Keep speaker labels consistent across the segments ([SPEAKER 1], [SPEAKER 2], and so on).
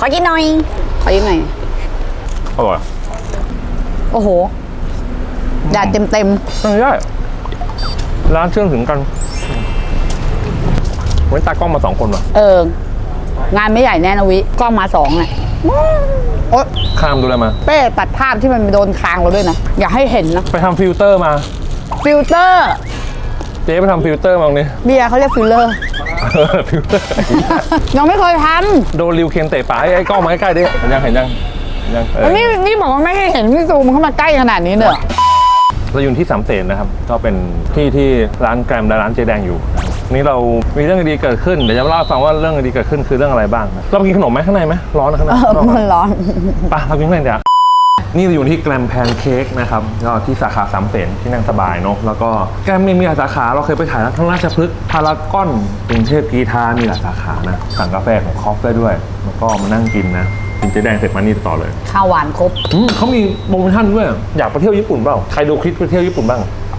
[SPEAKER 1] อกินหน่อยอ
[SPEAKER 2] อร่อย
[SPEAKER 1] โอ้โหแดดเต็ม
[SPEAKER 2] ไม่ได้ร้านเชื่อมถึงกันเว้นตากล้องมา2 คนว่ะ
[SPEAKER 1] งานไม่ใหญ่แน่นะวิกล้องมา2เนี่ยโอ๊ย
[SPEAKER 2] ข้ามดูอะไรมา
[SPEAKER 1] เป้ตัดภาพที่มันโดนคางเราด้วยนะอย่าให้เห็นนะ
[SPEAKER 2] ไปทำฟิลเตอร์มา
[SPEAKER 1] ฟิลเตอร์
[SPEAKER 2] เจ๊ไปทำฟิลเตอร์มาเนี่ย
[SPEAKER 1] เบียร์เขาเรียกฟิลเลอร์
[SPEAKER 2] ฟิลเตอร์
[SPEAKER 1] ยังไม่เคยท
[SPEAKER 2] ำโดนริวเคนเตะปากไอ้กล้องมาใกล้ๆดิเห็นยัง
[SPEAKER 1] นี่บอกว่าไม่ให้เห็นพี่ซูมเข้ามาใกล้ขนาดนี้เนอะ
[SPEAKER 2] เราอยู่ที่สามเสนนะครับก็เป็นที่ร้านแกรมและร้านเจแดงอยู่นี่เรามีเรื่องดีเกิดขึ้นเดี๋ยวจะเล่าให้ฟังว่าเรื่องดีเกิดขึ้นคือเรื่องอะไรบ้างเราไปกินขนมไหมข้างในไหมร้อนนะข้างใน
[SPEAKER 1] มันร้อน
[SPEAKER 2] ปะเรากินข้างในเดี๋ยวนี่เราอยู่ที่แกรมแพนเค้กนะครับก็ที่สาขาสามเสนที่นั่งสบายเนาะแล้วก็แกรมมีหลายสาขาเราเคยไปถ่ายทั้งราชพฤกษ์พารากอนกรุงเทพกีฬามีหลายสาขานะสั่งกาแฟของคอฟได้ด้วยแล้วก็มานั่งกินนะกินเจ๊แดงเสร็จมานี่ต่อเลย
[SPEAKER 1] ข้าวหวานครบ
[SPEAKER 2] เขามีโปรโมชั่นด้วยอยากไปเที่ยวญี่ปุ่นเปล่าใครดูคลิปไปเที่ยวญี่ปุ่นบ้าง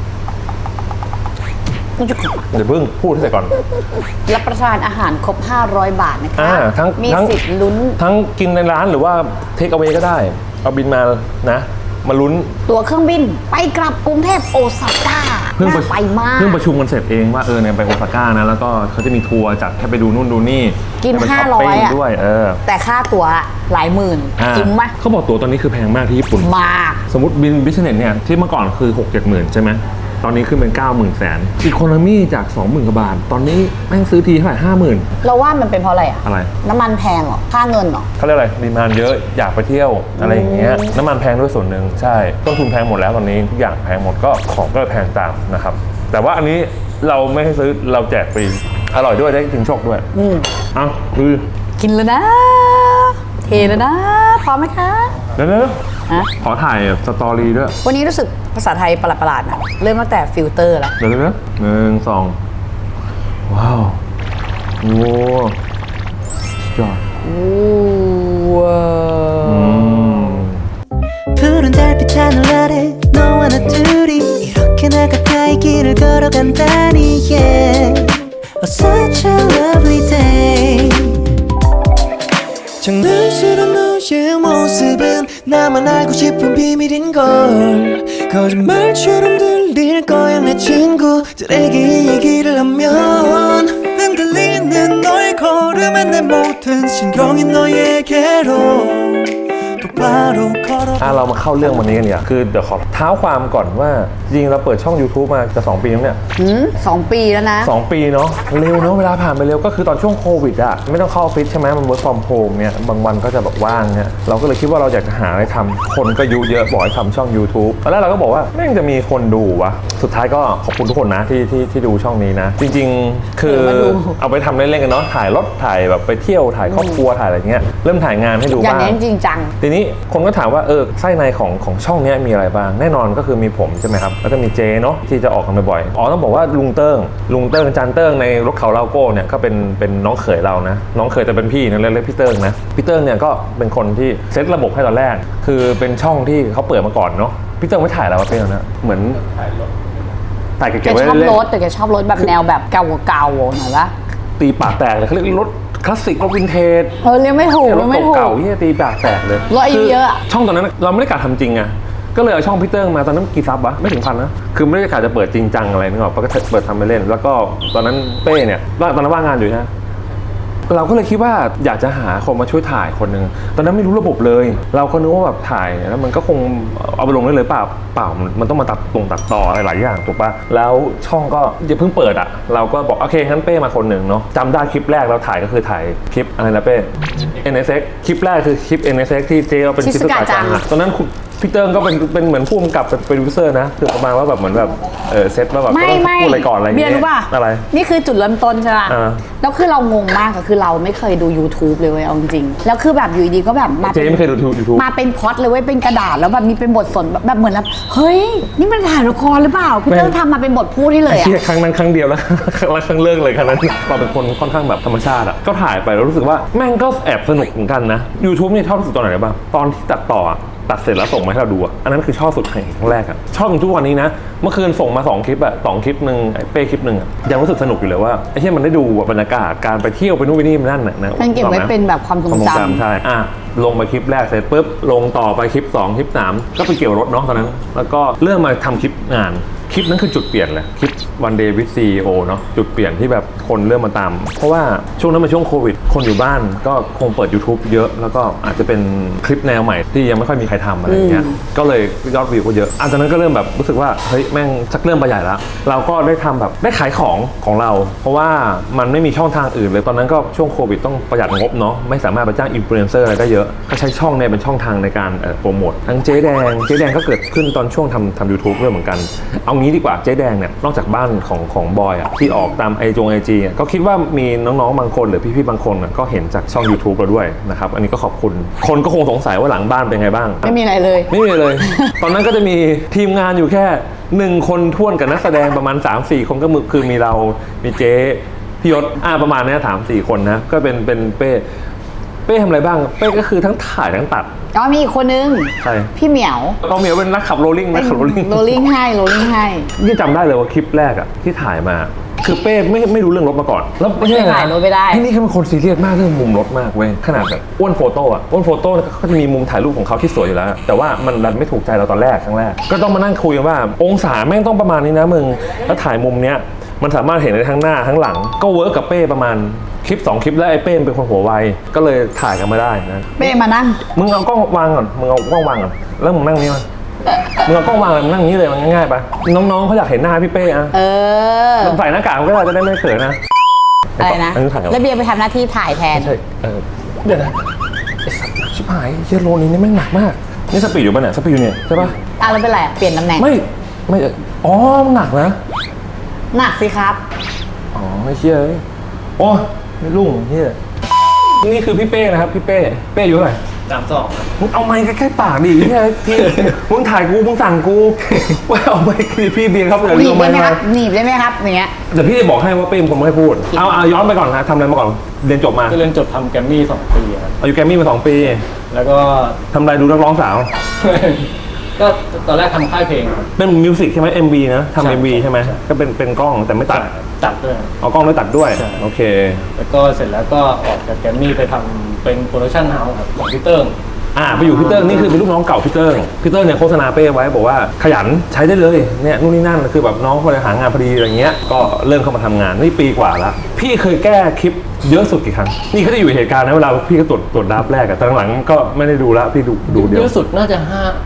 [SPEAKER 2] เดี๋ยวเพิ่งพูดให้เสร็จก่อน
[SPEAKER 1] รับประทานอาหารครบ500 บาทนะคะมีสิทธิ์ลุ้น
[SPEAKER 2] ทั้งกินในร้านหรือว่าเทคเอาไว้ก็ได้เอาบินมานะมาลุ้น
[SPEAKER 1] ตั๋วเครื่องบินไปกลับกรุงเทพโอซาก้าน่าไปมาก
[SPEAKER 2] เพิ่งประชุมกันเสร็จเองว่าเนี่ยไปโอซาก้านะแล้วก็เขาจะมีทัวร์จัดให้ไปดูนู่นดูนี่
[SPEAKER 1] กิน500อ่ะ
[SPEAKER 2] ด้วย
[SPEAKER 1] แต่ค่าตั๋วหลายหมื่นจริงไหม
[SPEAKER 2] เขาบอกตั๋วตอนนี้คือแพงมากที่ญี่ปุ่น
[SPEAKER 1] มาก
[SPEAKER 2] สมมติบินบิสเนสเนี่ยที่เมื่อก่อนคือ 6-7 หมื่นใช่ไหมตอนนี้ขึ้นเป็น 90,000 แสนอีโคโนมี่จาก 20,000 กว่าบาทตอนนี้แม่งซื้อทีเท่าไหร่ 50,000
[SPEAKER 1] เราว่ามันเป็นเพราะอะไรอะ
[SPEAKER 2] อะไร
[SPEAKER 1] น้ำมันแพงเหรอค่าเงินเหรอ
[SPEAKER 2] เขาเรียกอะไรดีมานด์เยอะอยากไปเที่ยวอะไรอย่างเงี้ยน้ำมันแพงด้วยส่วนหนึ่งใช่ต้นทุนแพงหมดแล้วตอนนี้ทุกอย่างแพงหมดก็ของก็แพงตามนะครับแต่ว่าอันนี้เราไม่ให้ซื้อเราแจกฟรีอร่อยด้วยได้ถึงโชคด้วยเอาคือ
[SPEAKER 1] กินแล้วนะเทแล้วนะพร้อมไหมคะ
[SPEAKER 2] เดี๋ยวขอถ่ายสตอรี่ด้วย
[SPEAKER 1] วันนี้รู้สึกภาษาไทยประหลาดๆนะเริ่มตั้งแต่ฟิลเตอร์แล้ว
[SPEAKER 2] เดี๋ยว1 2ว้าวโอ้จอด
[SPEAKER 1] ว้าว
[SPEAKER 2] เรามาเข้าเรื่องวันนี้กันเนี่ยคือเดี๋ยวขอเท้าความก่อนว่าจริงเราเปิดช่อง YouTube มาจะ2 ปีแล้วเนี่ย
[SPEAKER 1] 2 ปีแล้วนะ
[SPEAKER 2] 2 ปีเนาะเร็วเนาะเวลาผ่านไปเร็วก็คือตอนช่วงโควิดอะไม่ต้องเข้าออฟฟิศใช่ไหมมัน work from home เนี่ยบางวันก็จะแบบว่างเนี่ยเราก็เลยคิดว่าเราอยากจะหาอะไรทำคนก็ยุเยอะบอกให้ทำช่อง YouTube ตอนแรกเราก็บอกว่าแม่งจะมีคนดูวะสุดท้ายก็ขอบคุณทุกคนนะที่ดูช่องนี้นะจริงๆคือเอาไปทำเล่นๆกันเนาะถ่ายรถถ่ายแบบไปเที่ยวถ่ายครอบครัวถ่ายอะไรเงี้ยเริ่มถ่ายงานให้ดูบ้าง
[SPEAKER 1] อย่างนี้จริงจัง
[SPEAKER 2] ทีนี้คนก็ถามว่าไส้ในของช่องนี้มีอะไรบ้างแน่นอนก็คือมีผมใช่ไหมครับแล้วก็มีเจเนาะที่จะออกกันบ่อยๆต้องบอกว่าลุงเติ้งจันเติ้งในรถเขาเลาโก้เนี่ยก็เป็นน้องเขยเรานะน้องเขยแต่เป็นพี่นะเรียกพี่เติ้งนะพี่เติ้งเนี่ยก็เป็นคนที่เซตระบบให้ตอนแรกคือเป็นช่องที่เขาเปิดมาก่อนเนาะพี่เติ้งไม่ถ่ายแล้วเป็นนะเหมือนถ่ายเก็บไว้เล่น
[SPEAKER 1] แต่แกชอบรถแบบแนวแบบเก่าๆหน่อยละ
[SPEAKER 2] ตีปากแตกเลยเขาเรียกรถคลาสสิกรถวินเทจ
[SPEAKER 1] เรียกไม่ถูก
[SPEAKER 2] รถเก่าที่ตีปากแตกเลย
[SPEAKER 1] รถอายุเยอะ
[SPEAKER 2] ช่องตอนนั้นเราไม่ได้กะทำจริงอะก็เลยเอาช่องพี่เติ้งมาตอนนั้นกี่ซับวะไม่ถึง1,000นะคือไม่ได้กะจะเปิดจริงจังอะไรนึกออกก็เปิดทำไปเล่นแล้วก็ตอนนั้นเป้เนี่ยตอนนั้นว่างงานอยู่นะเราก็เลยคิดว่าอยากจะหาคนมาช่วยถ่ายคนนึงตอนนั้นไม่รู้ระบบเลยเราก็นึกว่าแบบถ่ายแล้วมันก็คงเอาไปลงได้เลยเปล่ามันต้องมาตัดต่ออะไรหลายอย่างถูกปะแล้วช่องก็ยังเพิ่งเปิดอะเราก็บอกโอเคงั้นเป้มาคนหนึ่งเนาะจำได้คลิปแรกเราถ่ายก็คือถ่ายคลิปอะไรนะเป้ NSX คลิปแรกคือคลิป NSX ที่เจเราเป็นชิซุกะจังตอนนั้นพี่เติ้งก็เป็นเหมือนผู้กำกับเป็นโปรดิวเซอร์นะคือประมาณว่าแบบเหมือนแบบเซตว่าแบบ
[SPEAKER 1] ไม่
[SPEAKER 2] พูดอะไรก่อนอะไรอย่างเงี้ย
[SPEAKER 1] รู้ป่ะ
[SPEAKER 2] อะไร
[SPEAKER 1] นี่คือจุดเริ่มต้นใช่ป่ะแล้วคือเรางงมากก็คือเราไม่เคยดู YouTube เลยเว้ยเอาจริงแล้วคือแบบอยู่ดีก็แบบ
[SPEAKER 2] เจ๊ไม่เคยดู YouTube
[SPEAKER 1] มาเป็นพล็อตเลยเว้ยเป็นกระดาษแล้วแบบมีเป็นบทสนแบบเหมือนแบบเฮ้ยนี่มันถ่ายละครหรือเปล่าพี่เติ้งทำมาเป็นบทพูดให้เลยอะ
[SPEAKER 2] ครั้งนั้นครั้งเดียวแล้วครั้งเลิกเลยครั้งนั้นเราเป็นคนค่อนข้างแบบธรรมชาติอะก็ถ่ายไปแล้วรู้สึกว่าแม่งก็แอบสนุกเหมือนกันนะ YouTube นี่ชอบที่สุดตอนไหนบ้างตอนที่ตัดต่อตัดเสร็จแล้วส่งมาให้เราดูอะอันนั้นคือชอบสุดครั้งแรกอะชอบถึงทุกวันนี้นะเมื่อคืนส่งมา2 คลิปอะ2 คลิปนึงไอ้เป้คลิปนึงอะยังรู้สึกสนุกอยู่เลยว่าไอ้ที่มันได้ดูบรรยากาศการไปเที่ยวไปนู่นไปนี่นั่นน่ะนะ
[SPEAKER 1] มันเก็บไว้เป็นแบบความทรงจำ
[SPEAKER 2] ใช่ลงไปคลิปแรกเสร็จปุ๊บลงต่อไปคลิป2 คลิป 3ก็ไปเกี่ยวรถเนาะตอนนั้นแล้วก็เริ่มมาทำคลิปงานคลิปนั้นคือจุดเปลี่ยนเลยคลิป One Day with CEO เนาะจุดเปลี่ยนที่แบบคนเริ่มมาตามเพราะว่าช่วงนั้นเป็นช่วงโควิดคนอยู่บ้านก็คงเปิด YouTube เยอะแล้วก็อาจจะเป็นคลิปแนวใหม่ที่ยังไม่ค่อยมีใครทำอะไรอย่างเงี้ยก็เลยยอดวิวก็เยอะจากนั้นก็เริ่มแบบรู้สึกว่าเฮ้ยแม่งชักเริ่มไปใหญ่แล้วเราก็ได้ทำแบบได้ขายของเราเพราะว่ามันไม่มีช่องทางอื่นเลยตอนนั้นก็ช่วงโควิดต้องประหยัดงบเนาะไม่สามารถไปจ้างอินฟลูเอนเซอร์อะไรได้เยอะก็ใช้ช่องเนี่ยเป็นช่องทางในการโปรโมททั้งเจ๊แดงก็เกิดขึ้นตอนช่วงทำ YouTube ด้วยเหมือนกันเอางี้ดีกว่าเจ๊แดงเนี่ยนอกจากบ้านของบอยอ่ะที่ออกตามไอจีก็คิดว่ามีน้องๆบางคนหรือพี่ๆบางคนก็เห็นจากช่อง YouTube เราด้วยนะครับอันนี้ก็ขอบคุณคนก็คงสงสัยว่าหลังบ้านเป็นไงบ้าง
[SPEAKER 1] ไม่มีอะไรเลย
[SPEAKER 2] ไม่มีเลย ตอนนั้นก็จะมีทีมงานอยู่แค่1 คนท้วนกับนักแสดงประมาณ 3-4 คนก็คือมีเรามีเจ๊พี่ยศประมาณนี้3-4 คนนะก็เป็นเป้ทำอะไรบ้างเป้ก็คือทั้งถ่ายทั้งตัด
[SPEAKER 1] มีอีกคนนึง
[SPEAKER 2] ใช่
[SPEAKER 1] พี่เหมียว
[SPEAKER 2] เหมียวเป็นนักขับโรลลิ่ง
[SPEAKER 1] โรลลิ่งให้
[SPEAKER 2] นี่จำได้เลยว่าคลิปแรกอะที่ถ่ายมาคือเป้ไม่รู้เรื่องรถมาก่อนแล้วไม่ใช่
[SPEAKER 1] ถ่ายรถไม่ได้
[SPEAKER 2] นี่คือเป็นคนซีเรียสมากเรื่องมุมรถมากเว้ยขนาดแบบอ้วนโฟโต้ก็จะมีมุมถ่ายรูปของเขาที่สวยอยู่แล้วแต่ว่ามันดันไม่ถูกใจเราตอนแรกครั้งแรกก็ต้องมานั่งคุยกันว่าองศาแม่งต้องประมาณนี้นะมึงแล้วถ่ายมุมเนี้ยมันสามารถเห็นได้ทั้งหน้าทั้งหลังก็เวิร์กกับเป้ประมาณคลิป2 คลิปแล้วไอ้เป้เป็นคนหัวไวก็เลยถ่ายกันมาได้นะ
[SPEAKER 1] เป้มานั่ง
[SPEAKER 2] มึงเอากล้องวางก่อนแล้วมึงนั่งนี้มามึงเอากล้องวางเลยมึงนั่งนี้เลยมันง่ายๆปะน้องๆเขาอยากเห็นหน้าพี่เป้อะใส่หน้ากากก็ได้จะได้ไม่เขินนะ
[SPEAKER 1] อะไรนะแล้วเบียร์ไปทำหน้าที่ถ่ายแทน
[SPEAKER 2] ใช่เดี๋ยวนะไอ้สัตว์ชิบหายเยโลนี้นี่แม่งหนักมากนี่สปีดอยู่ป่ะเนี่ยสปีดอยู่เนี่ยใช่ปะ
[SPEAKER 1] แล้วเป็นไรเปลี่ยนตำแหน่ง
[SPEAKER 2] ไม่มันหนักนะ
[SPEAKER 1] หนักสิครับ
[SPEAKER 2] ไม่เชื่อโอ้ไม่รุ่งเฮียนี่คือพี่เป้นะครับพี่เป้อายุเท่าไหร่
[SPEAKER 3] 32
[SPEAKER 2] มึงเอาไมค์ใกล้ๆปากดิเนี่ยพี่มึงถ่ายกูมึงสั่งกูว่าเอาไมค์พี่เบียร์ครับ
[SPEAKER 1] หนีบได้ไหมครับหนีบได้ไหมครับอย่างเงี้ย
[SPEAKER 2] เดี๋ยวพี่จะบอกให้ว่าเป้เป็นคนไม่ให้พูดเอาย้อนไปก่อนนะทำอะไรมาก่อนเรียนจบมา
[SPEAKER 3] ก็เรียนจบทำแกรมมี่2 ปีครับ
[SPEAKER 2] อยู่แกรมมี่มา2 ปี
[SPEAKER 3] แล้วก็
[SPEAKER 2] ทำอะไรดูนักร้องสาว
[SPEAKER 3] ก็ตอนแรกทำค่ายเพลง
[SPEAKER 2] เป็นมิวสิกใช่ไหม MV นะทำ MV ใช่ไหมก็เป็นกล้องแต่ไม่ตัด
[SPEAKER 3] ด้วย
[SPEAKER 2] เอากล้องด้วยตัดด้วยโอเค
[SPEAKER 3] แล้วก็เสร็จแล้วก็ออกจากแกรมมี่ไปทำเป็นโปรดักชั่นเฮาส์ครับของพี่เติ้ง
[SPEAKER 2] ไปอยู่พี่เติ้งนี่คือเป็นลูกน้องเก่าพี่เติ้งเนี่ยโฆษณาเป้ไว้บอกว่าขยันใช้ได้เลยเนี่ยนู่นนี่นั่นคือแบบน้องคนหางานพอดีอะไรเงี้ยก็เริ่มเข้ามาทำงานนี่ปีกว่าละพี่เคยแก้คลิปเยอะสุดกี่ครั้งนี่เขาได้อยู่เหตุการณ์นะเวลาพี่ก็ตรวจดับแรกอะแต่หลังก็ไม่ได้ดูละพี่ดูเดียว
[SPEAKER 3] เยอะสุดน่าจะ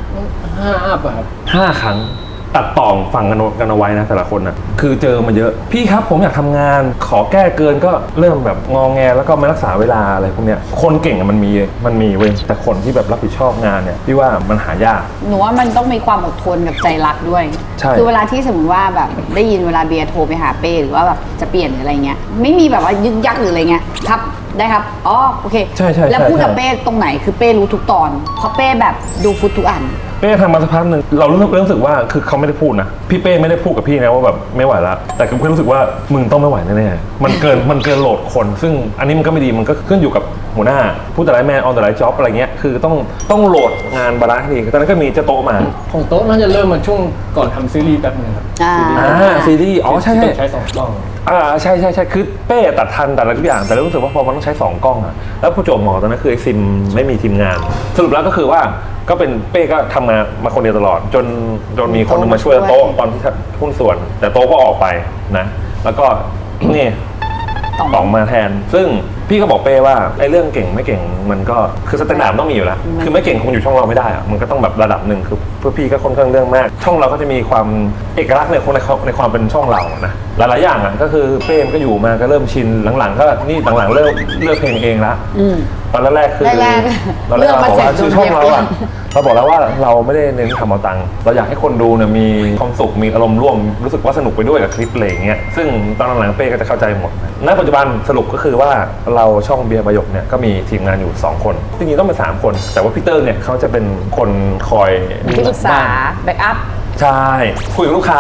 [SPEAKER 3] 5 อัพครับ
[SPEAKER 2] 5 ครั้งตัดต่อฟังกันเอาไว้นะแต่ละคนนะคือเจอมาเยอะพี่ครับผมอยากทำงานขอแก้เกินก็เริ่มแบบงอแงแล้วก็ไม่รักษาเวลาอะไรพวกเนี้ยคนเก่งมันมีเว้ยแต่คนที่แบบรับผิดชอบงานเนี่ยพี่ว่ามันหายาก
[SPEAKER 1] หนูว่ามันต้องมีความอดทนกับใจรักด้วยคือเวลาที่สมมติว่าแบบได้ยินเวลาเบียร์โทรไปหาเป้หรือว่าแบบจะเปลี่ยนหรืออะไรเงี้ยไม่มีแบบว่ายึกยักหรืออะไรเงี้ยครับได้ครับโอเค
[SPEAKER 2] ใช่
[SPEAKER 1] แล้วพูดกับเป้ตรงไหนคือเป้รู้ทุกตอนเพราะเป้แบบดูฟุตทุกอัน
[SPEAKER 2] เป้ทำมาสักพักหนึ่งเรารู้สึกว่าคือเขาไม่ได้พูดนะพี่เป้ไม่ได้พูดกับพี่นะว่าแบบไม่ไหวละแต่คือเพื่อนรู้สึกว่ามึงต้องไม่ไหวแน่ๆมันเกินโหลดคนซึ่งอันนี้มันก็ไม่ดีมันก็ขึ้นอยู่กับหัวหน้าผู้แต่ละแมนออนแต่ละจ็อบอะไรเงี้ยคือต้องโหลดงานบาลานซ์ให้ดีตอนนั้นก็มีเจ้าโต๊ะมา
[SPEAKER 3] ของโต๊ะน่าจะเริ่มมาช่วงก่อนทำซีรีส์แป๊บนึงครับ
[SPEAKER 2] ซีรีส์ใช่
[SPEAKER 3] ใช้2 กล้อง
[SPEAKER 2] ใช่คือเป้ตัดทันแต่ละทุกอย่างแต่รู้สึกว่าพอมันต้องใช้2 กล้องอะแล้วผู้โจมหมอตอนนั้นคือไอซิมไม่มีทีมงานสรุปแล้วก็คือว่าก็เป็นเป้ก็ทำงานมาคนเดียวตลอดจนมีคนนึงมาช่วยโต๊ะตอนที่หุ้นส่วนแต่โต๊ะก็ออกไปนะแล้วก็นี่ต่องมาแทนซึ่งพี่ก็บอกเป้ว่าไอ้เรื่องเก่งไม่เก่งมันก็คือสแตนดาร์ดต้องมีอยู่แล้วคือไม่เก่งคงอยู่ช่องเราไม่ได้อะมันก็ต้องแบบระดับหนึ่งคือเพื่อพี่ก็ค่อนข้างเรื่องมากช่องเราก็จะมีความเอกลักษณ์ในความเป็นช่องเรานะหลายๆอย่างอ่ะก็คือเป้ก็อยู่มาก็เริ่มชินหลังๆก็นี่หลังๆเลิกเพลงเองละตอนแรกคือเราบอกว่าชื่อช่องเราอ่ะเราบอกแล้วว่าเราไม่ได้เน้นทำเอาตังค์เราอยากให้คนดูเนี่ยมีความสุขมีอารมณ์ร่วมรู้สึกว่าสนุกไปด้วยกับคลิปอะไรอย่างเงี้ยซึ่งตอนหลังๆเป้ก็จะเข้าใจหมดณปัจจุบันสรุปก็คือว่าเราช่องเบียร์ประโยคเนี่ยก็มีทีมงานอยู่2 คนจริงๆต้องเป็น3 คนแต่ว่าพี่เตอร์เนี่ยเขาจะเป็นคนคอย
[SPEAKER 1] ที่ปรึกษาแบ็กอัพ
[SPEAKER 2] ใช่คุยกับลูกค้า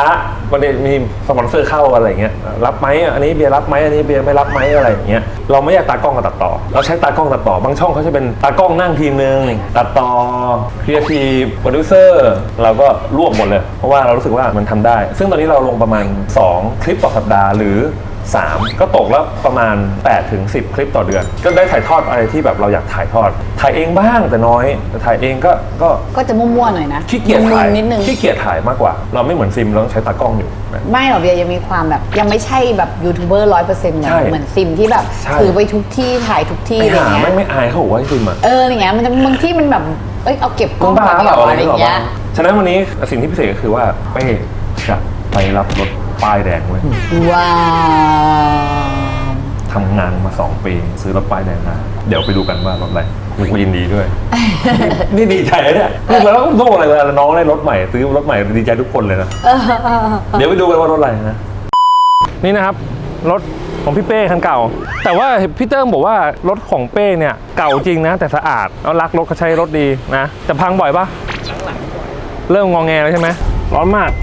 [SPEAKER 2] วันนี้มีสปอนเซอร์เข้าอะไรเงี้ยรับไหมอันนี้เบียร์รับไหมอันนี้เบียร์ไม่รับไหมอะไรอย่างเงี้ยเราไม่อยากตากล้องกับตัดต่อเราใช้ตากล้องตัดต่อบางช่องเขาจะเป็นตากล้องนั่งทีมนึงตัดต่อครีเอทีฟโปรดิวเซอร์เราก็รวบหมดเลยเพราะว่าเรารู้สึกว่ามันทำได้ซึ่งตอนนี้เราลงประมาณ2คลิปต่อสัปดาห์หรือ3ก็ตกแล้วประมาณ8 ถึง 10 คลิปต่อเดือนก็ได้ถ่ายทอดอะไรที่แบบเราอยากถ่ายทอดถ่ายเองบ้างแต่น้อยแต่ถ่ายเองก็
[SPEAKER 1] จะมั่วๆหน่อยนะ
[SPEAKER 2] ขี้เกียจถ่าย
[SPEAKER 1] นิดนึง
[SPEAKER 2] ขี้เกียจถ่ายมากกว่าเราไม่เหมือนซิมเราต้องใช้ตากล้องอยู่นะ
[SPEAKER 1] ไม่หรอกเบียร์ยังมีความแบบยังไม่ใช่แบบยูทูบเบอร์100%เหมือนซิมที่แบบถือไปทุกที่ถ่ายทุกที่อะไรเงี้ย
[SPEAKER 2] ไม่อายเขาบอกว่าซิมอ่ะ
[SPEAKER 1] อย่างเงี้ยมันจะบางที่มันแบบเอาเก็บกล้อง
[SPEAKER 2] บ้า
[SPEAKER 1] ไปอะไรอย่างเงี้ย
[SPEAKER 2] ฉะนั้นวันนี้สิ่งที่พิเศษก็คือว่าเป้จะไปรับรถป้ายแดงไว้
[SPEAKER 1] ว้าว
[SPEAKER 2] ทำงานมา2 ปีซื้อรถป้ายแดงมาเดี๋ยวไปดูกันว่ารถอะไรกูยินดีด้วย นี่ดีใจเนี่ยแล้วก็โทษอะไรเวลาน้องได้รถใหม่ซื้อรถใหม่ดีใจทุกคนเลยนะเดี๋ยวไปดูกันว่ารถอะไรนะนี่นะครับรถของพี่เป้คันเก่าแต่ว่าพี่เติ้งบอกว่ารถของเป้เนี่ยเก่าจริงนะแต่สะอาดแล้วรักรถเขาใช้รถดีนะแต่พังบ่อยปะเริ่มงอแงแล้วใช่ไหมร้อนมาก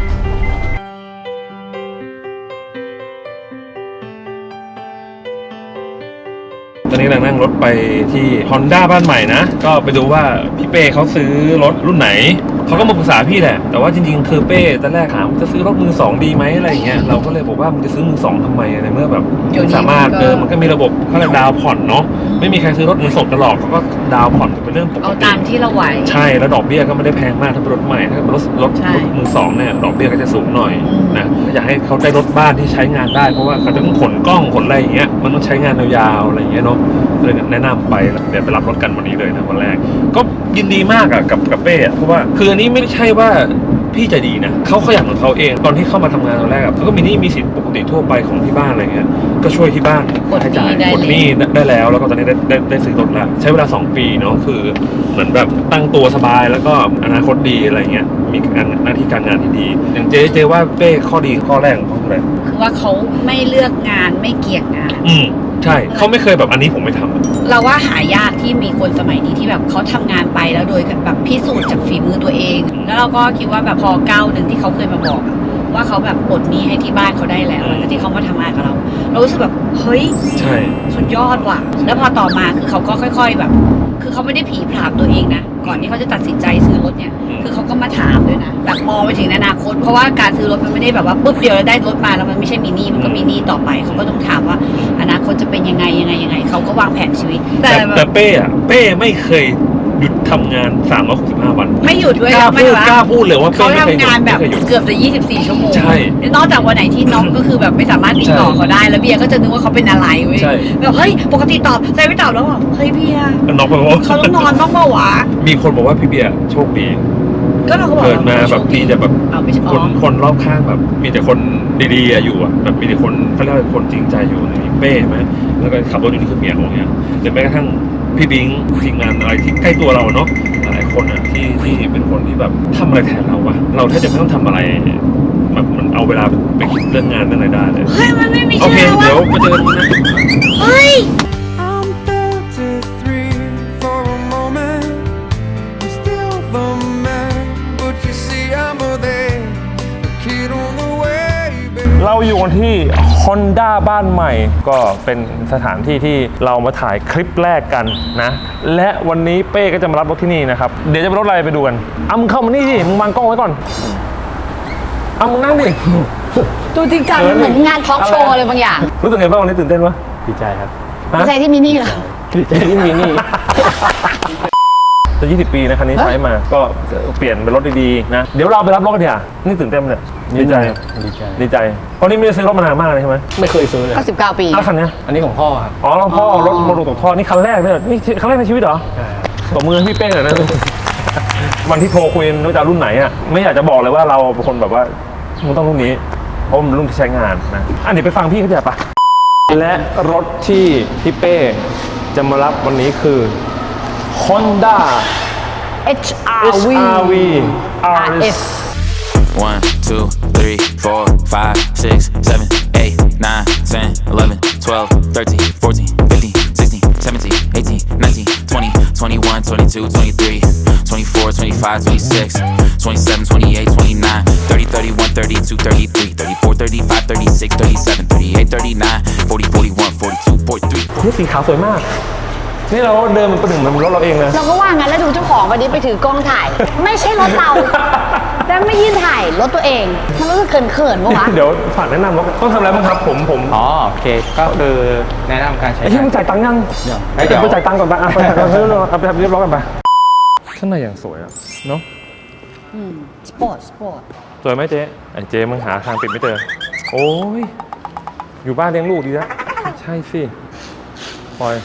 [SPEAKER 2] ตอนนี้เรานั่งรถไปที่ Honda บ้านใหม่นะก็ไปดูว่าพี่เป้เขาซื้อรถรุ่นไหนเขาก็มาปรึกษาพี่แหละแต่ว่าจริงๆคือเป้ตอนแรกถามจะซื้อรถมือ2ดีไหมอะไรอย่างเงี้ยเราก็เลยบอกว่ามึงจะซื้อมือ2ทำไมในเมื่อแบบสามารถมันก็มีระบบเขาเรียกดาวผ่อนเนาะไม่มีใครซื้อรถมือสดกันหรอกเขาก็ดาวผ่อนเป็นเรื่องปกติ
[SPEAKER 1] เอาตามที่เราไหว
[SPEAKER 2] ใช่แล้วดอกเบี้ยก็ไม่ได้แพงมากถ้าเป็นรถใหม่ถ้าเป็นรถมือ2เนี่ยดอกเบี้ยก็จะสูงหน่อยนะอยากให้เขาได้รถบ้านที่ใช้งานได้เพราะว่าเขาจะต้องขนกล้องขนอะไรอย่างเงี้ยมันต้องใช้งานยาวๆอะไรอย่างเงี้ยเนาะเลยแนะนำไปเดี๋ยวไปรับรถกันวันนี้เลยนะวันแรกก็ยินดีมากอะกับเป้เพราะว่าคืออันนี้ไม่ใช่ว่าพี่ใจดีนะเขาขยันของเขาเองตอนที่เข้ามาทำงานตอนแรกเขาก็มีหนี้มีสินปกติทั่วไปของที่บ้านอะไรเงี้ยก็ช่วยที่บ้านใช้จ่ายกดหนี้ได้แล้วแล้วก็ตอนนี้ได้ซื้อรถแล้วใช้เวลา2 ปีเนาะคือเหมือนแบบตั้งตัวสบายแล้วก็อนาคตดีอะไรเงี้ยมีหน้าที่การงานที่ดีอย่างเจ๊ว่าเป้ข้อดีข้อแรกของเขาคืออะไร
[SPEAKER 1] คือว่าเขาไม่เลือกงานไม่เกี่ยงงาน
[SPEAKER 2] ใช่เขาไม่เคยแบบอันนี้ผมไม่ทำ
[SPEAKER 1] เราว่าหายากที่มีคนสมัยนี้ที่แบบเขาทำงานไปแล้วโดยแบบพิสูจน์จากฝีมือตัวเองแล้วเราก็คิดว่าแบบพอก้าวหนึ่งที่เขาเคยมาบอกว่าเขาแบบปลดหนี้ให้ที่บ้านเขาได้แล้วแล้วที่เขามาทำงานกับเรารู้สึกแบบเฮ้ย
[SPEAKER 2] ใช่
[SPEAKER 1] สุดยอดว่ะแล้วพอต่อมาคือเขาก็ค่อยๆแบบคือเขาไม่ได้ผีผลามตัวเองนะก่อนที่เขาจะตัดสินใจซื้อรถเนี่ยคือเขาก็มาถามด้วยนะแบบมองไปถึงอนาคตเพราะว่าการซื้อรถมันไม่ได้แบบว่าปุ๊บเดียวแล้วได้รถมาแล้วมันไม่ใช่มีหนี้มันก็มีหนี้ต่อไปเขาก็ต้องถามว่าอนาคตจะเป็นยังไงเขาก็วางแผนชีวิต
[SPEAKER 2] แต่เป้ไม่เคยหยุดทำงาน365 วัน
[SPEAKER 1] ไม่หยุดด้วย
[SPEAKER 2] กล้าพูดเลยว่า
[SPEAKER 1] เขาทำงานแบบเกือบจะ24 ชั่วโมง
[SPEAKER 2] ใช่
[SPEAKER 1] นอกจากวันไหนที่น้องก็คือแบบไม่สามารถติดต่อเขาได้แล้วเบียร์ก็จะนึกว่าเขาเป็นอะไรเว้ยแบบเฮ้ยปกติตอบใจไม่ตอบแล้วบอกเฮ้ยเบียร์
[SPEAKER 2] น้องบอกว่า
[SPEAKER 1] เขาต้องนอนบ้างเปล่าวะ
[SPEAKER 2] มีคนบอกว่าพี่เบียร์โชคดี
[SPEAKER 1] ก็เราก็บอก
[SPEAKER 2] เกิดมาแบบมีแต่แบบคนรอบข้างแบบมีแต่คนดีๆอยู่อ่ะแบบมีแต่คนเขาเรียกว่าคนจริงใจอยู่ในเป้ไหมแล้วก็ขับรถอยู่นี่คือเมียของเนี่ยหรือแม้กระทั่งพี่บิงทีมงานอะไรที่ใกล้ตัวเราเนาะหลายคนอ่ะที่เป็นคนที่แบบทำอะไรแทนเราวะเราแทบจะไม่ต้องทำอะไรแบบมันเอาเวลาไปคิดเรื่องงานเรื่องอะไรได้เลย
[SPEAKER 1] เฮ้ยมันไม่มี
[SPEAKER 2] โอเคเดี๋ยวมาเจอกันนะ
[SPEAKER 1] เฮ้ย
[SPEAKER 2] เราอยู่กันที่ Honda บ้านใหม่ก็เป็นสถานที่ที่เรามาถ่ายคลิปแรกกันนะและวันนี้เป้ก็จะมารับรถที่นี่นะครับเดี๋ยวจะไปรถอะไรไปดูกันมึงเข้ามานี่สิมึงวางกล้องไว้ก่อนมึงนั่งดิ
[SPEAKER 1] ดูจริงจังเหมือนงานทอล์กโชว์เลยบางอย่าง
[SPEAKER 2] รู้สึกไงบ้างวันนี้ตื่นเต้นปะ
[SPEAKER 3] ดีใจครับ
[SPEAKER 1] ดีใจที่มินี่เหรอ
[SPEAKER 2] ดีใจที่มินี่จะ20 ปีนะคันนี้ใช้มาก็เปลี่ยนเป็นรถดีๆนะเดี๋ยวเราไปรับรถกันเถอะนี่ตื่นเต้นเนี่ยดีใจเพราะนี่ไม่ได้ซื้อรถมานานมากเลยใช่ไหม
[SPEAKER 3] ไม่เคยซื้อเลย
[SPEAKER 1] 19 ปี
[SPEAKER 2] แล้วคันนี้
[SPEAKER 3] อันนี้ของพ่อครับ
[SPEAKER 2] อ๋อพ่อรถโมโนตกท่อนี่คันแรกเลยนี่คันแรกในชีวิตเหรอตบมือพี่เป้หน่อยนะวันที่โทรคุยว่าจะรุ่นไหนอ่ะไม่อยากจะบอกเลยว่าเราเป็นคนแบบว่ามึงต้องรุ่นนี้เพราะมันรุ่นที่ใช้งานนะอันนี้ไปฟังพี่เขาจะปะและรถที่พี่เป้จะมารับวันนี้คือ Honda
[SPEAKER 1] HRV RS
[SPEAKER 4] 1, 2, 3, 4, 5, 6, 7, 8, 9, 10, 11, 12, 13, 14, 15, 16, 17, 18, 19, 21, 22, 23, 24, 25, 26, 27, 28, 29, 30, 31, 32, 33, 34, 35, 36, 37, 38, 39, 40, 41, 42, 43.
[SPEAKER 2] นี่สีขาวสวยมาก นี่เราเดินมันประหนึ่งมันรถเราเองเลย
[SPEAKER 1] เราก็ว่างั้นแล้วดูเจ้าของวันนี้ไปถือกล้องถ่าย ไม่ใช่รถเรา แต่ไม่ยืนถ่ายรถตัวเอง มันรู้สึกเขินๆปะวะ
[SPEAKER 2] เดี๋ยวฝากแนะนำรถต้องทำอะไรบ้างครับผม
[SPEAKER 3] อ๋อโอเคก็คือแนะนำการใช้
[SPEAKER 2] ไอ้ที่มึงจ่ายตังค์ยัง
[SPEAKER 3] เดี๋ยว
[SPEAKER 2] ไปจ่ายตังค์ก่อนไปเอาไปทำเรียบร้อยกันไปข้างในอย่างสวยอะเนาะ
[SPEAKER 1] สปอร์ต
[SPEAKER 2] สวยไหมเจ๊ไอ้เจ๊มึงหาทางปิดไม่เจอโอ้ยอยู่บ้านเลี้ยงลูกดีนะใช่สิปล่อย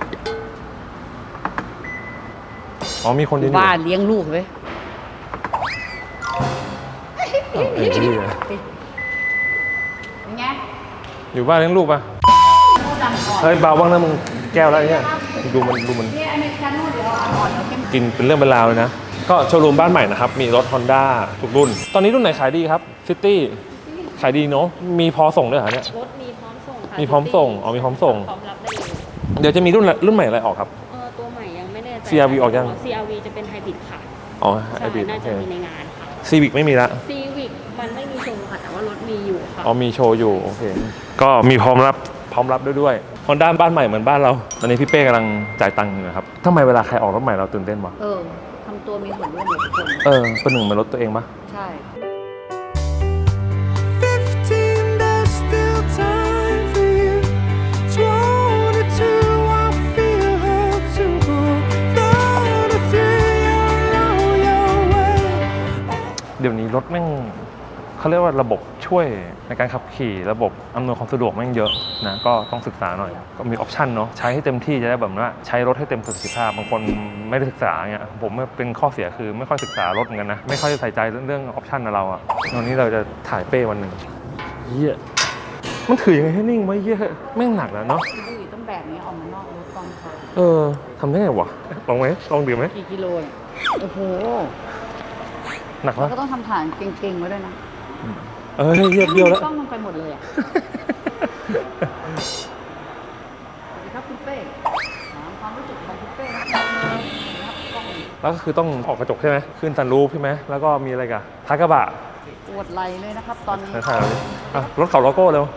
[SPEAKER 2] อ๋อมีคนยืนอยู่
[SPEAKER 1] บ้านเลี้ยงลูกเว้ย
[SPEAKER 2] ไอ้เหี้ย
[SPEAKER 1] เป็นไง
[SPEAKER 2] อยู่บ้านเลี้ยงลูกปะเฮ้ยเบาบ้างนะมึงแก้วแล้วไอ้เนี่ยดูมัน
[SPEAKER 1] นี่อเมริกาโน่เดี๋ยวอ่อนๆแล้วเข้ม
[SPEAKER 2] กินเป็นเรื่องเป็นราวเลยนะก็โชว์รูมบ้านใหม่นะครับมีรถ Honda ทุกรุ่น ตอนนี้รุ่นไหนขายดีครับซิตี้ขายดีเนาะมีพอส่งด้วยเหรอเนี่ย
[SPEAKER 5] รถมีพร้อมส่งค่ะ
[SPEAKER 2] มีพร้อมส่งอ๋อมีพร้อมส่ง
[SPEAKER 5] พร้อมรับได้เลย
[SPEAKER 2] เดี๋ยวจะมีรุ่นใหม่อะไรออกครับ
[SPEAKER 5] ตัวใหม่ยังไม่แน่ใจ
[SPEAKER 2] CRV ออกยัง
[SPEAKER 5] CRV จะเป็นไฮบริดค่ะ
[SPEAKER 2] อ๋อ
[SPEAKER 5] ใช่
[SPEAKER 2] ไอบี
[SPEAKER 5] น่าจะมีในงานค่ะ
[SPEAKER 2] ซีวิกไม่มีละ
[SPEAKER 5] Civic มันไม่มีโชว์ค่ะ แต่ว่ารถมีอยู่ค่ะ
[SPEAKER 2] อ๋อมีโชว์อยู่โอเคก็มีพร้อมรับด้วยฮอนด้าบ้านใหม่เหมือนบ้านเราตอนนี้พี่เป้กำลังจ่ายตังค์อยู่นะครับทำไมเวลาใครออกรถใหม่เราตื่นเต้นวะ
[SPEAKER 1] ทำตัวมีส่วนร่วมกับทุกคน
[SPEAKER 2] เป็นหนึ่งมันรถตัวเองปะ
[SPEAKER 1] ใช่
[SPEAKER 6] 15, there's still time for you. 22, I feel hurt to go. 33, you're on your way.
[SPEAKER 2] เดี๋ยวนี้รถแม่งเขาเรียกว่าระบบช่วยในการขับขี่ระบบอำนวยความสะดวกแม่งเยอะนะก็ต้องศึกษาหน่อยก็มีออปชันเนาะใช้ให้เต็มที่จะได้แบบว่าใช้รถให้เต็มประสิทธิภาพบางคนไม่ได้ศึกษาเงี้ยผมเป็นข้อเสียคือไม่ค่อยศึกษารถเหมือนกันนะไม่ค่อยใส่ใจเรื่องออปชันเราอะวันนี้เราจะถ่ายเป้วันหนึ่งเหี้ยมันถือยังไงให้นิ่งไว้เหี้ยแม่งหนักแล้วเนาะ
[SPEAKER 1] ดูอยู่ต้องแบบนี้ออกมานอกรถตอนค่ะ
[SPEAKER 2] ทำได้ไงวะลองไหมลองดื่มไหม
[SPEAKER 1] กี่กิโลเนี่ยโอ้โห
[SPEAKER 2] หนัก
[SPEAKER 1] แล้ว
[SPEAKER 2] ปะ
[SPEAKER 1] ก็ต้องทำฐานเก่งๆไว้ด้วยนะ
[SPEAKER 2] เยียบเบี้ยวแล้ว
[SPEAKER 1] กล้องมันไปหมดเลยอ่ะ สวัสดีครับคุณเป้ถามความรู้สึกของคุณเป้นะครับกล้อง
[SPEAKER 2] แล้วก็คือต้องออกกระจกใช่ไหมขึ้นซันรูฟใช่ไหมแล้วก็มีอะไรกันท้ายกระบะ
[SPEAKER 1] ปวดไหล่เลยนะครับตอนนี้
[SPEAKER 2] ถ่ายเราดิอ่ะรถเขาโลโก้เร็ว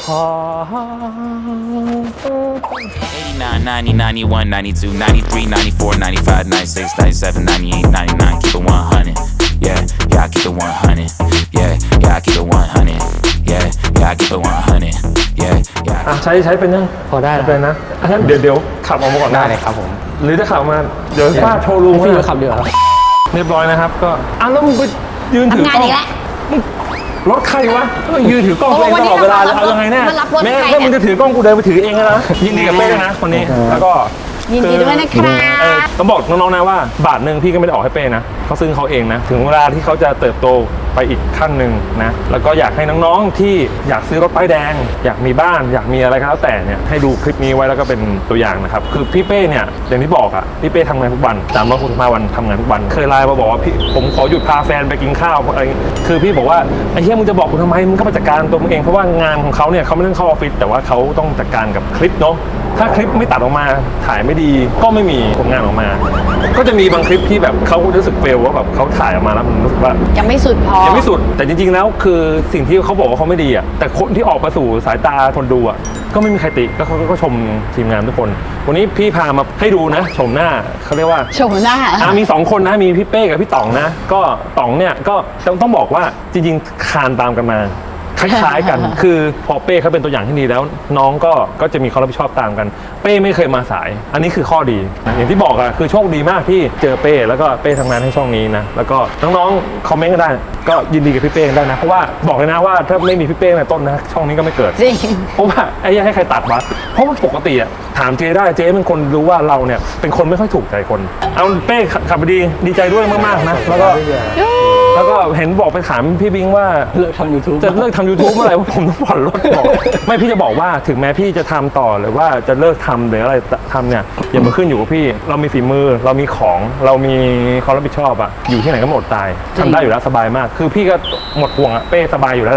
[SPEAKER 4] 89, 90, 91, 92, 93, 94, 95, 96, 97, 98, 99. Keep it 100. Yeah, I keep it 100. Yeah, I keep it 100. Yeah, I keep it 100. Yeah.
[SPEAKER 2] อ่ะใช้เป็นยัง
[SPEAKER 3] พอได้แล้ว
[SPEAKER 2] เป็นนะอ่ะงั้นเดี๋ยวขับออกมาก่อน
[SPEAKER 3] ได้เลยครับผม
[SPEAKER 2] หรือจะขับมาเดี๋ยวฟาดโชว์รูม
[SPEAKER 3] พี่
[SPEAKER 2] ไว้
[SPEAKER 3] จะขับเรือครับ
[SPEAKER 2] เรียบร้อยนะครับก็อ่ะแล้วมึงไปยืนถือกล้อง
[SPEAKER 1] ทำงานอีกแล้ว
[SPEAKER 2] รถใครวะยืนถือกล้องตัวเองตลอดเวลาเลยเอายังไงเนี่ย
[SPEAKER 1] มารับรถ
[SPEAKER 2] แม่
[SPEAKER 1] ใคร
[SPEAKER 2] ถ้า
[SPEAKER 1] เนี่ย
[SPEAKER 2] มึงจะถือกล้องกูเดินไปถือเองนะยินดีกับเป้ด้วยนะคนนี้แล้วก็
[SPEAKER 1] ยินดีด้วยนะครับ
[SPEAKER 2] ต้องบอกน้องๆนะว่าบาทหนึ่งพี่ก็ไม่ได้ออกให้เป้นะเขาซื้อเขาเองนะถึงเวลาที่เขาจะเติบโตไปอีกขั้นหนึ่งนะแล้วก็อยากให้น้องๆที่อยากซื้อรถป้ายแดง อยากมีบ้านอยากมีอะไรก็แล้วแต่เนี่ยให้ดูคลิปนี้ไว้แล้วก็เป็นตัวอย่างนะครับคือพี่เป้เนี่ยอย่างที่บอกอ่ะพี่เป้ทำงานทุกวัน365 วันทำงานทุกวันเคยไลน์มาบอกว่าพี่ผมขอหยุดพาแฟนไปกินข้าวอะไรคือพี่บอกว่าไอ้เหี้ยมึงจะบอกกูทำไมมึงก็ไปจัดการตัวมึงเองเพราะว่างานของเขาเนี่ยเขาไม่ต้องเข้าออฟฟิศแต่ว่าเขาต้องจัดการกับคลิปเนาะถ้าคลิปไม่ตัดออกมาถ่ายไม่ดีก็ไม่มีผลงานออกมา ก็จะมีบางคลิปที่แบบเขารู้สึกเฟลว่าแบบเขาถ่ายออกมาแล้วมันรู้สึกว่า
[SPEAKER 1] ยังไม่สุดพอ
[SPEAKER 2] ยังไม่สุดแต่จริงๆแล้วคือสิ่งที่เขาบอกว่าเขาไม่ดีอ่ะแต่คนที่ออกมาสู่สายตาคนดูอ่ะก็ไม่มีใครติก็เขาก็ชมทีมงานทุกคนวันนี้พี่พามาให้ดูนะชมหน้าเขาเรียกว่า
[SPEAKER 1] โฉมหน้า
[SPEAKER 2] มี2คนนะมีพี่เป้กับพี่ต๋องนะก็ต๋องเนี่ยก็ต้องบอกว่าจริงๆคานตามกันมาคล้ายๆกัน คือพอเป้เขาเป็นตัวอย่างที่ดีแล้วน้องก็จะมีความรับผิดชอบตามกันเป้ไม่เคยมาสาย อันนี้คือข้อดีนะอย่างที่บอกอะคือโชคดีมากที่เจอเป้แล้วก็เป้ทำงานให้ช่องนี้นะแล้วก็น้องๆคอมเมนต์กันได้ก็ยินดีกับพี่เป้กันได้นะเพราะว่าบอกเลยนะว่าถ้าไม่มีพี่เป้ในต้นนะช่องนี้ก็ไม่เกิด
[SPEAKER 1] จริง
[SPEAKER 2] เพราะว่าไอ้ยังให้ใครตัดวะเพราะว่าปกติอะถามเจได้เจเป็นคนรู้ว่าเราเนี่ยเป็นคนไม่ค่อยถูกใจคนเอาเป้ขับไปดีใจด้วยมากๆนะแล้วก็เห็นบอกไปถามพี่บิงว่า
[SPEAKER 3] เลิกทำ YouTube
[SPEAKER 2] จะเลิกทำ YouTube เมื่อไหร่ว่าผมต้องผ่อนรถบอกไม่พี่จะบอกว่าถึงแม้พี่จะทำต่อหรือว่าจะเลิกทำหรืออะไรทำเนี่ยอย่ามาขึ้นอยู่กับพี่เรามีฝีมือเรามีของเรามีความรับผิดชอบอะอยู่ที่ไหนก็หมดตายทำได้อยู่แล้วสบายมากคือพี่ก็หมดห่วงอะเป้สบายอยู่แล้วแหละ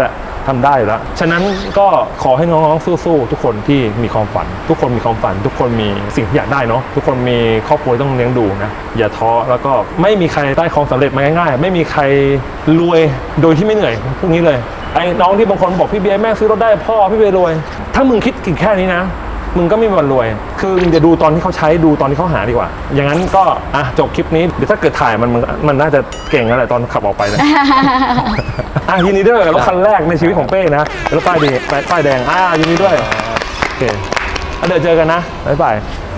[SPEAKER 2] ทำได้อยู่แล้วฉะนั้นก็ขอให้น้องๆสู้ๆทุกคนที่มีความฝัน ทุกคนมีความฝัน ทุกคนมีสิ่งที่อยากได้เนาะทุกคนมีครอบครัวต้องเลี้ยงดูนะอย่าท้อแล้วก็ไม่มีใครได้ความสำเร็จมาง่ายๆไม่มีใครรวยโดยที่ไม่เหนื่อยพวกนี้เลยไอ้น้องที่บางคนบอกพี่เบียร์แม่ซื้อรถได้พ่อพี่เบียร์รวยถ้ามึงคิดถึงแค่นี้นะมึงก็ไม่มีวันรวยคือมึงจะดูตอนที่เขาใช้ดูตอนที่เขาหาดีกว่าอย่างนั้นก็จบคลิปนี้เดี๋ยวถ้าเกิดถ่ายมันน่าจะเก่งแล้วแหละตอนขับออกไปนะ ยินดีด้วยรถคันแรกในชีวิตของเป้นะรถป้ายแดงยินดีด้วยโอเคเดี๋ยวเจอกันนะบ๊ายบาย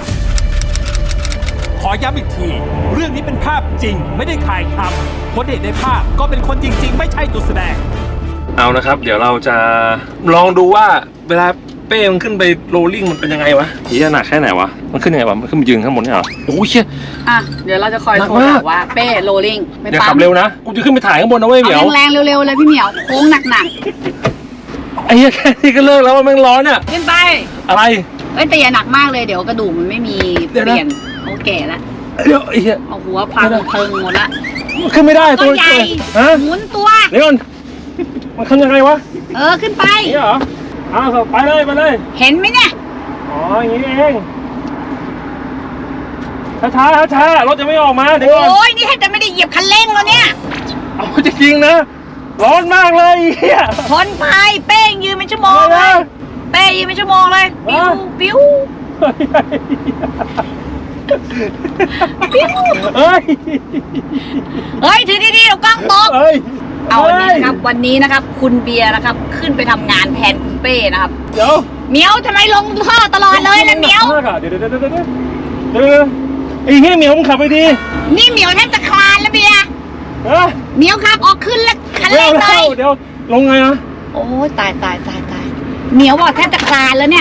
[SPEAKER 7] ขอย้ำอีกที เรื่องนี้เป็นภาพจริงไม่ได้ถ่ายทำคนเห็นในภาพก็เป็นคนจริงๆ ไม่ใช่ตัวแสดง
[SPEAKER 2] เอานะครับ เดี๋ยวเราจะลองดูว่าเวลาเป้มันขึ้นไปโรลลิ่งมันเป็นยังไงวะหีหนักแค่ไหนวะมันขึ้นยังไงวะมันขึ้นไปยืนข้างบนเนี่ยเหรอโอ้ยเชี่ย
[SPEAKER 1] เดี๋ยวเราจะคอย
[SPEAKER 2] หนัก
[SPEAKER 1] โทร
[SPEAKER 2] มาก
[SPEAKER 1] บอกว่าเป้โรลลิ่งไม่
[SPEAKER 2] เดี๋ยว
[SPEAKER 1] ปั๊
[SPEAKER 2] ขั
[SPEAKER 1] ม
[SPEAKER 2] บเร็วนะกูจะขึ้นไปถ่ายข้างบนนะเว้ยเหมียว
[SPEAKER 1] เอาแรงๆเร็วๆเลยพี่เหมียวโค้งหนัก
[SPEAKER 2] ไอ้เหี้ยแค่นี้ก็เลิกแล้วว่าแม่งร้อนอ่ะ
[SPEAKER 1] ๆขึ้นไป
[SPEAKER 2] อะไร
[SPEAKER 1] แต่อย่าหนักมากเลยเดี๋ยวกระดูกมันไม่มี
[SPEAKER 2] เดี๋ยว
[SPEAKER 1] เป
[SPEAKER 2] นะ
[SPEAKER 1] ลี่ยนเขาแก่แล้ว
[SPEAKER 2] เดี๋ยวไอ้เหี้ย
[SPEAKER 1] เอาหัวพังเพิงหมดละ
[SPEAKER 2] มันขึ้นไม่ได้
[SPEAKER 1] ตัวใหญ่
[SPEAKER 2] ฮะ
[SPEAKER 1] หมุนตัว
[SPEAKER 2] เดี๋ยวก่อนมันขึ้นยังไงวะ
[SPEAKER 1] ขึ้นไป
[SPEAKER 2] นี่เหรอไปเลยไปเลย
[SPEAKER 1] เห็นไหมเนี่ย
[SPEAKER 2] อ๋ออย่างนี้เองช้ารถจะไม่ออกมาเดี๋ยวก่อน
[SPEAKER 1] โอ้ยนี่แทบจะไม่ได้เหยียบคันเร่งแล้วเนี่ย
[SPEAKER 2] เอาจริงๆนะร้อนมากเลยเฮีย
[SPEAKER 1] ทนไปเป้งยืนเป็นชั่วโมง
[SPEAKER 2] อะไร
[SPEAKER 1] เล
[SPEAKER 2] นะ
[SPEAKER 1] ยเป้ยืนเป็นชั่วโมงเลยปิ้ว
[SPEAKER 2] ฮะ
[SPEAKER 1] ปิ้ว
[SPEAKER 2] เฮ้ย
[SPEAKER 1] เฮ้ยถือดีๆเดี๋ยวกล้องตก
[SPEAKER 2] เฮ้ย
[SPEAKER 1] เอาวันนี้นะครับวันนี้นะครับคุณเบียร์นะครับขึ้นไปทำงานแทนคุณเป้นะครับ
[SPEAKER 2] เดี๋ยว
[SPEAKER 1] เหมียวทำไมลงท่อตลอดเลยนะเหมียว
[SPEAKER 2] เดี๋ยวไอ้เฮียเหมียวมึงขับไปดี
[SPEAKER 1] นี่เหมียวแทบจะคลานแล้วเบียร์
[SPEAKER 2] เฮ้ย
[SPEAKER 1] เหมียวครับออกขึ้นแล้วคัน
[SPEAKER 2] เร็
[SPEAKER 1] เร่
[SPEAKER 2] ว
[SPEAKER 1] งเลย
[SPEAKER 2] เดี๋ยวลงไงนะ
[SPEAKER 1] โอ้ยตายเหมียวบอกแทบจะคลานแล้วเนี่ย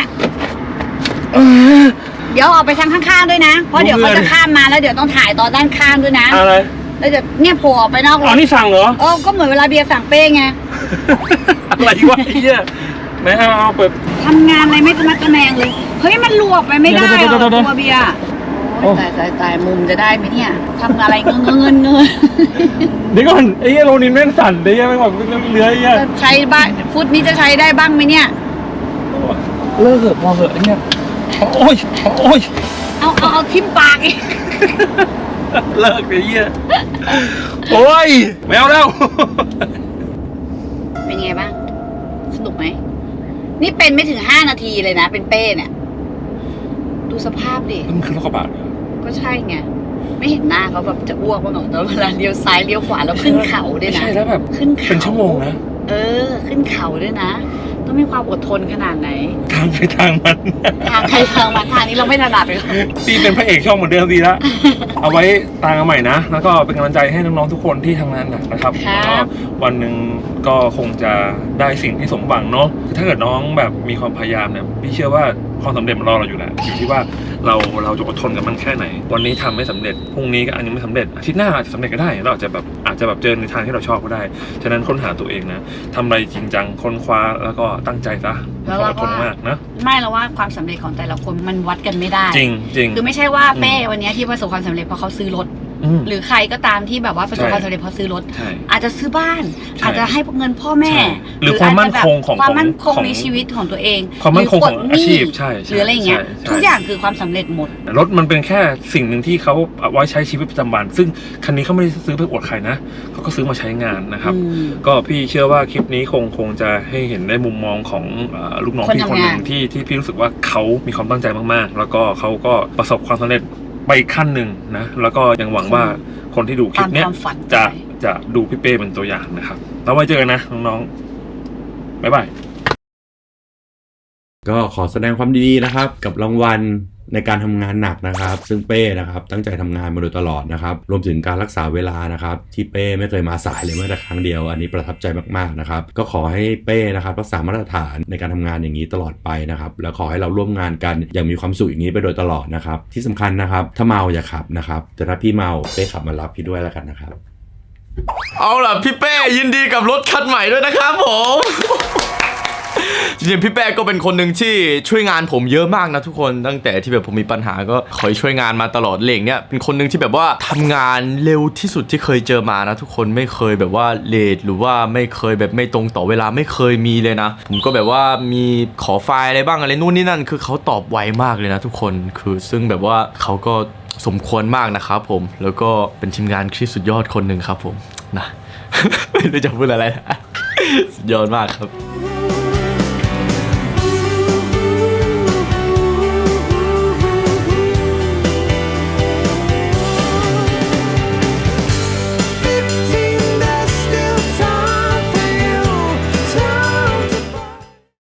[SPEAKER 1] เดี๋ยวออกไปทางข้างๆด้วยนะ เพราะเดี๋ยวเขาจะข้ามมาแล้วเดี๋ยวต้องถ่ายตอนด้านข้างด้วยนะ
[SPEAKER 2] อะไร
[SPEAKER 1] แล้วเดี๋ยวเนี่ยโผล่ออกไปนอกร
[SPEAKER 2] อ๋อ
[SPEAKER 1] ถ
[SPEAKER 2] นี่สั่งเหรอ
[SPEAKER 1] ก็เหมือนเวลาเบียร์สั่งเป้ไง
[SPEAKER 2] อะไรวะไอ้เหี้ยไหนเอาเปิด
[SPEAKER 1] ทำงานอะไรไม่ทะมัดทะแมงเลย เฮ้ยมันลวกไปไม่ได้หร
[SPEAKER 2] เดี๋
[SPEAKER 1] อ
[SPEAKER 2] ยว
[SPEAKER 1] ตัวเบียร์โอ้ยตายมุมจะได้ไหมเนี่ยทำอะไรเงิน
[SPEAKER 2] เดี๋ยวก่อนไอ้เหี้ยโรนินแม่งสั่นไอ้เหี้ยแม่งบอกเลื้อยไอ้เหี้ย
[SPEAKER 1] จะใช้บ้างฟุตนี้จะใช้ได้บ้างไหมเนี่ย
[SPEAKER 2] เลิกเถอะพอเถอะไอ้เหี้ยโอ้ย
[SPEAKER 1] เอาทิ่มปากอีก
[SPEAKER 2] เลิกไอ้เหี้ยโอ้ยไม่เอาแล้ว
[SPEAKER 1] เป็นไงบ้างสนุกไหมนี่เป็นไม่ถึง5 นาทีเลยนะเป็นเป้เนี่ยดูสภาพดิ
[SPEAKER 2] มันคือรถกระบะเหรอ
[SPEAKER 1] ก็ใช่ไงไม่เห็นหน้าเขาแบบจะอ้วกบ้างเหรอตอนเวลาเลี้ยวซ้ายเลี้ยวขวาแล้วขึ้นเขาด้วยนะ
[SPEAKER 2] ใช่แล้วแบบ
[SPEAKER 1] ขึ้นเขา
[SPEAKER 2] เป็นชั่วโมงนะ
[SPEAKER 1] ขึ้นเขาด้วยนะ ต้องมีความอดทนขนาดไหน
[SPEAKER 2] ทางไปทางมัน
[SPEAKER 1] ทางใครทางมันทางนี้เราไม่ถนัดเลย
[SPEAKER 2] พี่เป็นพระเอกช่องเหมือนเดิมดีละ เอาไว้ตามกันใหม่นะ แล้วก็เป็นกำลังใจให้น้องๆทุกคนที่ทำงานหนักนะครับ
[SPEAKER 1] ครับ
[SPEAKER 2] แล้วก็วันหนึ่งก็คงจะได้สิ่งที่สมหวังเนาะถ้าเกิดน้องแบบมีความพยายามเนี่ยพี่เชื่อว่าความสำเร็จมันรอเราอยู่แหละอยู่ที่ว่าเราจะอดทนกับมันแค่ไหน วันนี้ทำไม่สำเร็จพรุ่งนี้ก็อันยังไม่สำเร็จอาทิตย์หน้าอาจจะสำเร็จก็ได้เราอาจจะแบบเจอในทางที่เราชอบก็ได้ฉะนั้นค้นหาตัวเองนะทำอะไรจริงจังค้นคว้าแล้วก็ตั้งใจซะ
[SPEAKER 1] แล้ว
[SPEAKER 2] อ
[SPEAKER 1] เรา
[SPEAKER 2] ดท
[SPEAKER 1] ก็
[SPEAKER 2] นมากนะ
[SPEAKER 1] ไม่แล้วว่าความสำเร็จของแต่ละคนมันวัดกันไม่ได้
[SPEAKER 2] จริง
[SPEAKER 1] คือไม่ใช่ว่าเป้วันนี้ที่ประสบความสำเร็จเพราะเขาซื้อรถ หรือใครก็ตามที่แบบว่าประสบความสำเร็จเพราะซื้อรถ
[SPEAKER 2] ใช่
[SPEAKER 1] อาจจะซื้อบ้าน
[SPEAKER 2] ใช่
[SPEAKER 1] อาจจะให้เงินพ่อแม่
[SPEAKER 2] ใช่หรือความมั่นคงของ
[SPEAKER 1] ความมั่นคง
[SPEAKER 2] ของ
[SPEAKER 1] ในชีวิตของตัวเอง
[SPEAKER 2] ความมั่นคงของ
[SPEAKER 1] หรืปลดหนี้
[SPEAKER 2] อาชีพใช่
[SPEAKER 1] หรืออะไรอย่างเงี้ย
[SPEAKER 2] ใช่
[SPEAKER 1] ทุกอย่างคือความสำเร็จหมด
[SPEAKER 2] รถมันเป็นแค่สิ่งหนึ่งที่เขาเอาไว้ใช้ชีวิตประจำวัน ซึ่งคันนี้เขาไม่ได้ซื้อเพื่ออวดใครนะเขาก็ซื้อมาใช้งานนะครับ ก็พี่เชื่อว่าคลิปนี้คงจะให้เห็นได้มุมมองของลูกน้อง
[SPEAKER 1] คน
[SPEAKER 2] พี่
[SPEAKER 1] ทำ
[SPEAKER 2] คนหนึ่ง
[SPEAKER 1] งาน
[SPEAKER 2] ที่พี่รู้สึกว่าเขามีความตั้งใจมากๆ แล้วก็เขาก็ประสบความสำเร็จไปอีกขั้นหนึ่งนะแล้วก็ยังหวังว่าคนที่ดูคลิปเนี้ย
[SPEAKER 1] ตามความฝัน
[SPEAKER 2] จะดูพี่เป้เป็นตัวอย่างนะครับแล้วไว้เจอกันนะน้องๆบ๊ายบาย
[SPEAKER 8] ก็ขอแสดงความดีนะครับกับรางวัลในการทำงานหนักนะครับ ซึ่งเป้นะครับตั้งใจทำงานมาโดยตลอดนะครับรวมถึงการรักษาเวลานะครับที่เป้ไม่เคยมาสายเลยแม้แต่ครั้งเดียวอันนี้ประทับใจมากๆนะครับก็ขอให้เป้นะครับรักษามาตรฐานในการทำงานอย่างนี้ตลอดไปนะครับแล้วขอให้เราร่วมงานกันอย่างมีความสุขอย่างนี้ไปโดยตลอดนะครับที่สำคัญนะครับถ้าเมาอย่าขับนะครับแต่ถ้าพี่เมาเป้ขับมารับพี่ด้วยแล้วกันนะครับ
[SPEAKER 9] เอาล่ะพี่เป้ยินดีกับรถคันใหม่ด้วยนะครับผมจริงๆพี่แป้งก็เป็นคนหนึ่งที่ช่วยงานผมเยอะมากนะทุกคนตั้งแต่ที่แบบผมมีปัญหาก็คอยช่วยงานมาตลอดเหล่งเนี่ยเป็นคนหนึ่งที่แบบว่าทำงานเร็วที่สุดที่เคยเจอมานะทุกคนไม่เคยแบบว่าเลทหรือว่าไม่เคยแบบไม่ตรงต่อเวลาไม่เคยมีเลยนะผมก็แบบว่ามีขอไฟล์อะไรบ้างอะไรนู่นนี่นั่นคือเขาตอบไวมากเลยนะทุกคนคือซึ่งแบบว่าเขาก็สมควรมากนะครับผมแล้วก็เป็นทีมงานที่สุดยอดคนหนึ่งครับผมนะ ไม่รู้จะพูดอะไรนะสุดยอดมากครับ